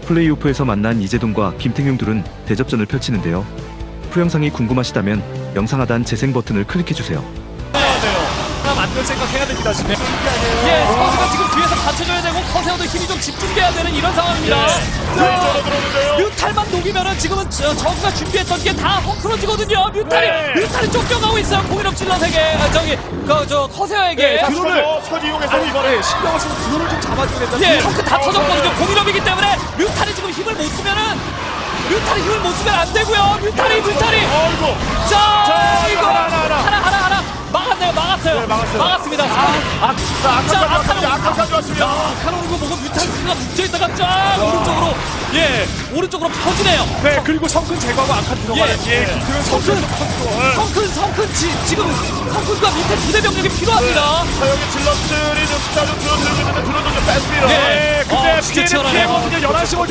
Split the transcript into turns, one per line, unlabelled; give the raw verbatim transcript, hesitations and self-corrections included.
플레이오프에서 만난 이재동과 김태균 둘은 대접전을 펼치는데요. 프영상이 궁금하시다면 영상 하단 재생 버튼을 클릭해주세요.
하나 만들 생각해야 됩니다 지금.
예, 스퍼즈가 지금 뒤에서 받쳐줘야 되고 커세어도 힘이 좀 집중돼야 되는 이런 상황입니다.
자, 들어오는데요.
뮤탈만 녹이면은 지금은 저, 저그가 준비했던 게 다 헝클어지거든요. 뮤탈이
네.
뮤탈이 쫓겨가고 있어요. 공인업 질럿에게 아, 저기 그 저 커세어에게.
네,
드론을
드론을 서지 이용해서 이번에 신경을 쓰고 드론을 좀 잡아줘야 된다.
예, 덩크 다 터졌거든요. 공인업이기 때문에 뮤탈이 지금 힘을 못 쓰면은 뮤탈이 힘을 못 쓰면 안 되고요. 뮤탈이 뮤탈이.
어이구.
자,
자,
이거
하나, 하나, 하나.
하나 하나 하나 막았네요. 막았어요.
네, 막았어요.
막았습니다. 아, 아,
자, 아카까지 왔습니다.
아카노.
아카까지 왔습니다.
야, 카노리고 보고 뮤탈스가 붙여있다가 쫙 오른쪽으로 예 오른쪽으로 펴지네요.
네, 그리고 성큰 제거하고 아카 들어가는
예,
예,
예.
김태균
성큰
선수 컨트롤.
성큰 성큰 지, 지금 성큰과 밑에 부대 병력이 필요합니다.
자, 여기 질럿들이 좀 숫자 좀 줄어들고 있는데 드론도 좀 뺐습니다.
네.
네, 근데
어, 진짜
피해는
치열하네요.
피해거든요. 열한 시